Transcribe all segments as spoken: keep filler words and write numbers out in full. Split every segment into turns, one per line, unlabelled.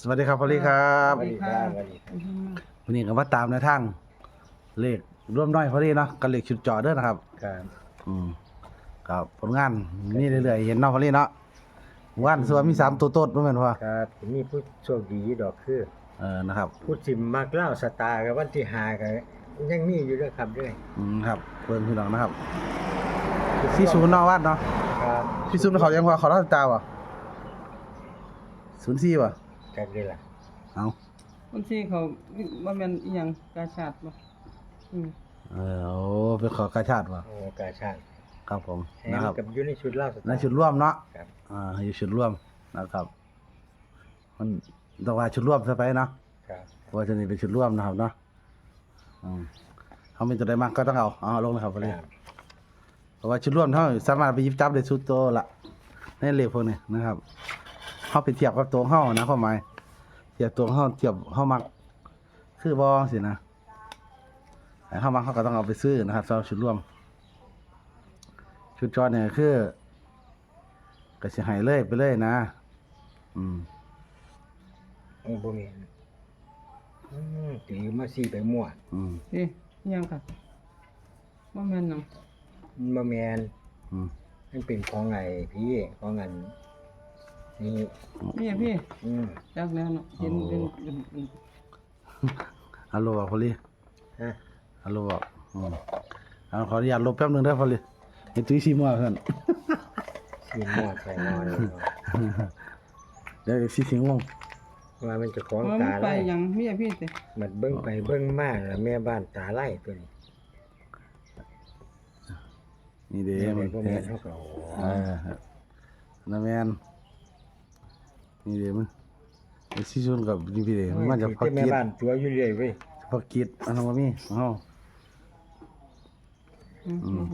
สวัสดีครับพอลลี่ครับ
สวัสดีครับสวัสดีครับ
วันนี้ก็มาตามในทางเลขร่วมน้อยพอลลี่เนาะกับเลขชุดจอเด้อนะครับ
ครับ
อืมครับผลงานนี่เรื่อยๆเห็นเนาะพอลลี่เนาะวันส่วนมีสามตัวโต๊ดบ่แม่นพ่อ
ครับมีผู้โชคดีดอกคือ
เออนะครับ
ผู้สิมมักเล่าสตาร์กับวันที่ห้าก็ยังมีอยู่ด้วยครับด้วย
อืมครับเพิ่นพี่น้องนะครับสี่ศูนย์เนาะวัดเนาะ
ครับ
สี่ศูนย์เขายังว่าเขาเล่าตาบ่ศูนย์สี่บ่
กันเลยล่ะ
เอ้า
คนที่เขาว่าแม่นอีหยังกาชาดบ่อืม
เออโอ้เป็นขอกาชาติบ่
โอ้กาชาติ
ครับผม
แถ
นะ
ม
ครับ
กับอยู่ในชุดเล่าสตาร์
ในชุดร่วมเนาะ
ครับ
อ่าอยู่ชุดร่วมนะครับมันต้องว่าชุดร่วมซะไปเนาะ
ครับ
เพราะว่าจะนี่เป็นชุดร่วมนะครับเนาะอืมเขาเป็นตัวใดมากก็ต้องเอาเอาลงเลยครับพอดี
ครับ
เพราะว่าชุดร่วมเขาสามารถไปหยิบจับได้สุดโตละในเลขพวกนี้นะครับเขาไปเทียบกับตัวเขานะความหมายเทียบตัวเขาเทียบเขามักคือบอสินะแต่เขามักเขาก็ต้องเอาไปซื้อนะครับสำหรับชุดร่วม ชุดจอเนี่ยคือกระสิใหายเลยไปเลยนะ อืม
โอ้บ่มีอืมถือมาสี่ไปมั่ว
อืม
นี่อีหยังค่ะว่าแม่นหยัง
มันบ่แม่น
อืม
มันเป็นของไงพี่ของอันนี่
พี่พี่
อืม
จักแล้วเนาะเห็นเป็นเป็นเป็น
ฮัลโหลบอกพอลี
ฮะ
ฮัลโหลบอกอืมเอาขออนุญาตลบแป๊บหนึงได้อพอลีเห็นตุ้ยซีมัวเพื่อน
สี่มั่วใส่นอนเลยเนาะ
เดี๋ยวซีสิงงง
ว่ามันจะของ
ว่า
ตา
มันไป
ไล่
หยังเมียพี่ติ
มันเบิ่งไปเบิ่งมาแล้วแม่บ้านตาไล่ตัวนี้
นี่เด้
แม่
มั
แม่
น
บ่
เอ
แม่นเฮาก็
อนะแมนนี่เด้มันไอ้ซีซุนกับนี่พี่เด้มันจะพัก
แม่
กิด
บ้านตัวอยู่เรื่อยเว้ย
พักกิดอันนั้นบ่มีเฮา
อืม
อืม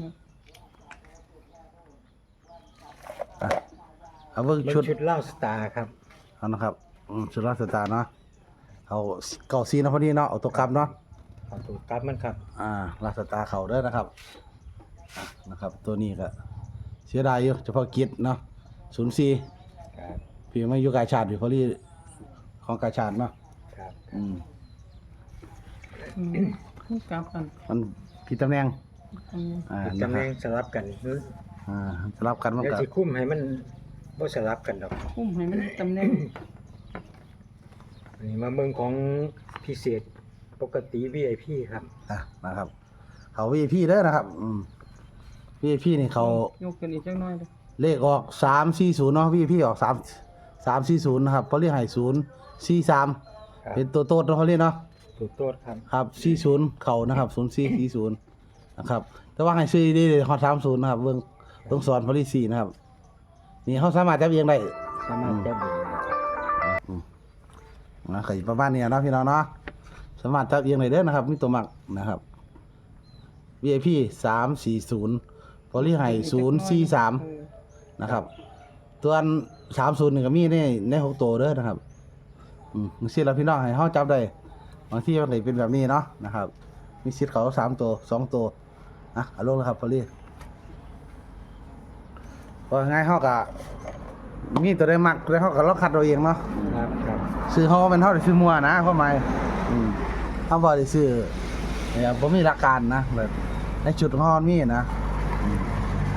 อ่ะเอาเบิ่ง
มัน
ชุด
ชุดเหล้าสตาร์ครับ
เอานะครับอืมชุดราชสตาร์เนาะเอาเก่าซีเนาะพอดีเนาะเอาตัวกลับเนาะ
เอาตัวกลับมันครับ
อ่าราชสตาร์เขาเด้อนะครับอ่ะนะครับ ตัวนี้ก็เสียดายอยู่เฉพาะกิจเนาะศูนย์สี่
ครับ
พี่ไม่อยู่กาชาติอยู่พอดีของกาชาติเนาะ
ครับ
อืม
อืมมันกลับกัน
มันผิดตำแหน่ง
อันนี้
อ่า
เป็น
นะ
ตำ
ค
แห
รั
น่
บ
งสลับกันเฮ้ย
อ่าสลับกันมัน
เดี๋ยว
ก็
สิคุ้มให้มันบ่สลับกันดอก
อุ้มให้มันตำแหน่ง
อันนี้มาเบิ่งของพิเศษปกติ วี ไอ พี ครับ
อ่ะนะครับเขา วี ไอ พี เด้อนะครับอืม วี ไอ พี นี่เขา
ยกกันอีกจักหน่อยเด้อ
เลขออกสามสี่ศูนย์เนาะ วี ไอ พี ออกสามสามสี่ศูนย์นะครับเพราะเรียกให้ศูนย์สี่สาม
ครับ
เป็นตัวโต๊ดเนาะเขาเรียกเนาะ
ถูกโตดครับ
ครับสี่ศูนย์เขานะครับศูนย์สี่สี่ศูนย์นะครับแต่ว่าให้ซื้อดีเลยฮอตสามศูนย์นะครับเบิ่งต้องสอนพอลิซีนะครับนี่เขาสามารถจับเองได้
สามารถจับเองได้ครับ
นะเคยประมาณนี้เนาะพี่น้องเนาะสามารถจับเองได้เด้อนะครับมีตัวหมักนะครับ วี ไอ พี สามสี่ศูนย์พอลิไฮศูนย์สี่สาม
เออ
นะครับตัวอันสามศูนย์นี่ก็มีในในหกตัวเด้อนะครับอืมมีสิทธิ์เราพี่น้องให้เขาจับได้บางที่มันเลยเป็นแบบนี้เนาะนะครับ มีสิทธิ์เขาสามตัวสองตัวอ่ะเอาลงเลยครับพอลี่พอง่ายเขากะมีตัวได้มักแล้วเขาก็ลองคัดเราเองเนาะ
ครับครับ
ซื้อเขาเป็นเขาได้ซื้อมัวนะเข้ามาอืมเขาบอกได้ซื้อเนี่ยผมมีหลักการนะแบบในจุดของเขามีนะอืม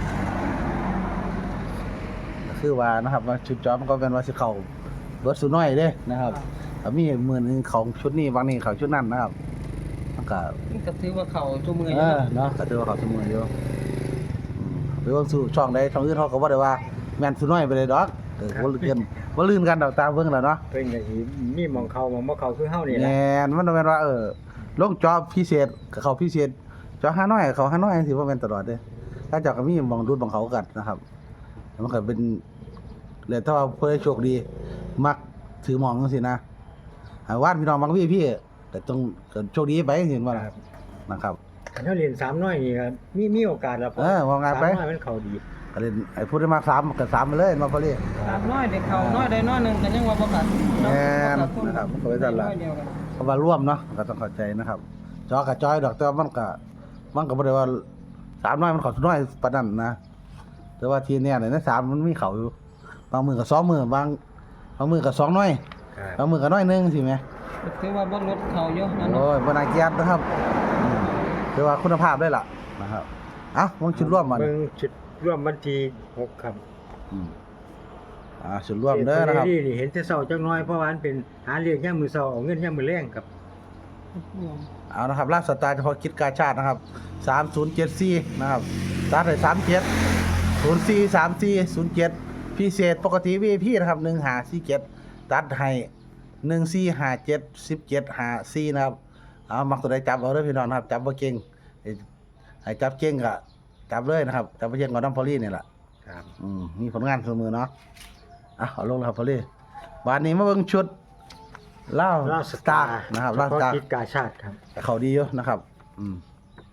ก็คือว่านะครับว่าชุดจอมนก็เป็นว่าสิเขาเบิร์ดสุน้อยเด้นะครับถ้ามีหมื่นหนึงของชุดนี้บางนี้เขาชุดนั้นนะครับมันก็
มันก็ถือว่าเขาตัวมืออ
เอยู่ อ
เนาะ
เนาะก็ถือว่าเขาสมืออยู่อืมไปเบิ่งสู่ช่องใดช่องอื่นเขาก็บ่ได้ว่าแม่นสุน้อยไปเลยดอกเออบ่ลื่นกันบ่ลื่นกันดอกตามเบิ่งแล้วเนาะ
เพิ่นก็สิมีหมองเข้าหมองบ่เข้าคือเฮานี่แห
แม่
ละ
นมันต้องแม่นว่าเออลงจอพิเศษกับเขาพิเศษจอห้าน้อยเขาห้าน้อยจังซี่บ่แม่นตลอดเด้ถ้าเจ้าก็มีหม่องดูดหม่องเขากันนะครับแล้วมันก็เป็นแล้วถ้าว่าเพิ่นได้โชคดีมักถือหม่องจังซี่นะหาวาดพี่น้องบางพี่พี่แต่ต้องก็โชคดีไปจังซี่บ่ล่ะ
ครับ
นะครับ
คันเฮาเรียนสามน้อยนี่ก็มีมีโอกาสแล้ว
เออว่าไงไป
สามน้อยมันเข้าดี
ก็เล่นไอ้พูดได้มาสามก็สามไปเลยมาพอดี
ตามน้อยได้เขาน้อยได้น้อยหนึงก็ยังว่าบ่ขาด
แม่นนะครับมันก็ไว้ซั่นล่ะ
อยเดียวกัน
เพราะว่าร่วมเนาะก็ต้องเข้าใจนะครับ จอกับจอยดอกแต่ว่ามันก็มันก็บ่ได้ว่าสามน้อยมันเข้าน้อยปานนั้นนะแต่ว่าทีเนี้ยเนี่ยในสามมันมีเข้าอยู่บางมือก็สองมือบางบางมือก็สองน้อย
ครับ
บางมือก็น้อยหนึงสิแหม
ถือว่าบ่ลดเขาอยู่นั่น
โอ้
เนาะ
ยบ่น่าเกลียดนะครับอืมถือว่าคุณภาพได้ล่ะนะครับเอ้ามึงชุดร่วมมา
เบิ่
เนี่ย
งชุดร่วมวันที่หกครับ
อืมอ่าชุดร่วมเด้อนะครับ
นี่นี่เห็นแต่เช้าจักหน่อยเพราะว่ามันเป็นหาเลี้ยงยามมื้อเช้าเอาเงินยามมื้อแลงครับ
เอานะครับลาบสตาร์เฉพาะคิดกาชาตินะครับสามศูนย์เจ็ดสี่นะครับตัดให้สามเจ็ดศูนย์สี่สามสี่ศูนย์เจ็ดพิเศษปกติ วี ไอ พี นะครับหนึ่งห้าสี่เจ็ดตัดให้หนึ่งสี่ห้าเจ็ดสิบเจ็ดห้าสี่นะครับเอามักตัวใดจับเอาเด้อพี่น้องนะครับจับบ่เก่งให้ให้จับเก่งก็จับเลยนะครับจับบ่เก่งก็น้ำพอลี่นี่แหละ
ครับ
อืมมีผลงานเสมอเนาะอ่ะเอาลงแล้วครับพอลี่บานนี้มาเบิ่งชุดเล่า
ลาว
สตาร์นะครับเล่าสตาร์
เฉพะกิจกาชาติครับ
เขาดีอยู่นะครับ อืม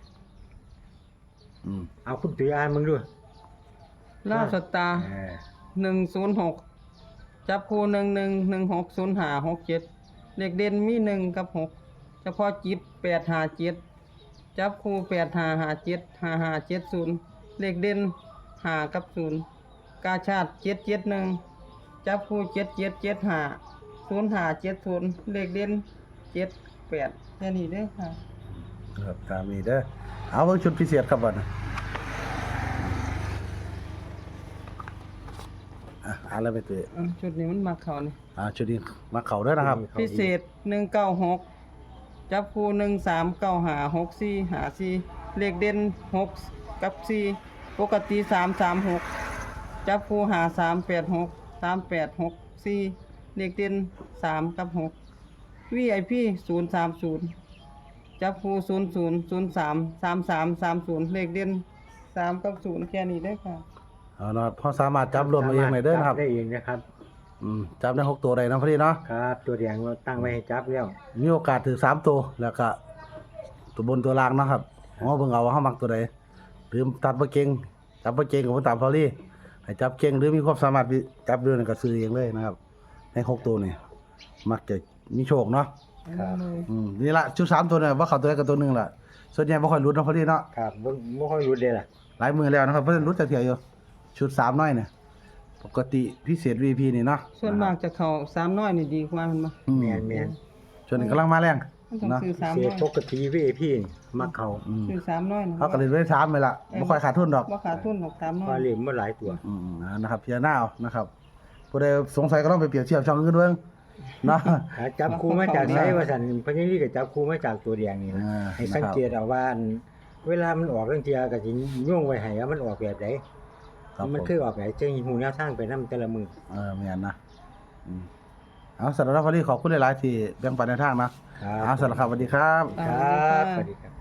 อืม
เอาคุณตุ้ยอ่านมึงด้วย
ลาวสตาร์
เออ
หนึ่งศูนย์หกจับคู่หนึ่งหนึ่งหนึ่งหกศูนย์ห้าหกเจ็ดเลขเด่นมีหนึ่งกับหกเฉพาะจิตแปดห้าเจ็ดจับคู่แปดห้าห้าเจ็ดห้าห้าเจ็ดศูนย์เลขเด่นห้ากับศูนย์กาชาติเจ็ดเจ็ดหนึ่งจับคู่เจ็ดเจ็ดเจ็ดห้าศูนย์ห้าเจ็ดศูนย์เลขเด่นเจ็ดแปดแค่นี้เด้อค่ะ
ครับตามนี้เด้อเอาเบิ่งชุดพิเศษครับบัดนี้อ่ะเอะไรไปตัว
อ่ะชุดนี้มันมาเขานี่
อ่าชุดนี้มาเขาเด้อนะครับ
พิเศษหนึ่งเก้าหกจับคู่หนึ่งสามเก้าหาหกสี่หาสี่เลขเด่นหกกับสี่ปกติสามสามหกจับคู่หาสามแปดหกสามแปดหกสี่เลขเด่นสามกับหกวีไอพีศูนย์สามศูนย์จับคู่ศูนย์ศูนย์ศูนย์สามสามสามสามศูนย์เลขเด่นสามกับศูนย์แค่นี้ได้อค่ะ
เอาเนาะพอสามารถจับรวมมาเองได้เด้อนะครับ
จัได้เองนะครับ
อืมจับได้หกตัวได้นะพอดีเนาะ
ครับ ตัวแดงเราตั้งไว้ให้จับแล้ว
มีโอกาสถือสามตัวแล้วก็ตัวบนตัวล่างเนาะครับอ๋อเบิ่งเอาว่าเฮามักตัวใดหรือตัดบ่เก่งจับบ่เก่งก็บ่ตามพอลี่ให้จับเก่งหรือมีความสามารถจับด้วยนั่นก็ซื้อเองเลยนะครับในหกตัวนี่มักจะมีโชคเนาะ
ครับ
อืมนี่ละชุดสามตัวเนี่ยว่าเขาตัวใดกับตัวหนึ่งล่ะส่วนใหญ่ไม่ค่อยรุดเนาะพอดีเนาะ
ครับบ่บ่ค่อยรู้เด้ล่ะ
หลายมือแล้วนะครับเพราะฉะนั้นรุดแต่เถียวอยู่ชุดสามน้อยเนี่ยปกติพิเศษ วี พี นี่เนาะ
ส่วนมากจะเขาสามน้อยนี่ดีกว่ามันมา
อื
แม่นแม่น
ส่วนนี้กำลังมาแรง
มันต้อง
เนาะ
ซื้อสาม
เสี
น้
ย
อย
ปกติ วี ไอ พี มักเขา
อืม
ซื้อสามน้อยนะ
เขาก็เลยได้ถามไปละไม่ค่อยขาดทุนดอก
ว่าขาดทุนหกสามน้อ
ว่าย เล่มบ่หลายตัว
อืมอ่านะครับพิจารณาเอานะครับผู้ใดสงสัยก็ต้องไปเปรียบเทียบช่องอื่นเบิ่งเนาะ
หาจับคู่มาจากไสว่าซั่นเพราะนี่ก็จับคู่มาจากตัวแดงนี่นะ
อ่า
ให้สังเกตเอาว่าอันเวลามันออกเรื่องเทียก็สิย่วงไว้ให้ว่ามันออกแบบใด
ครับผ
มัน
ม
คือออกแบบจังหูแนวทางไปนำแต่ละมือ
เออแม่นนะอืมเอาสำหรับพอดีขอบคุณหลายๆที่แบ่งปันในวทางนะครับ เอาสำหรับครับสวัสดีครับ
ครับสวัสดีครับ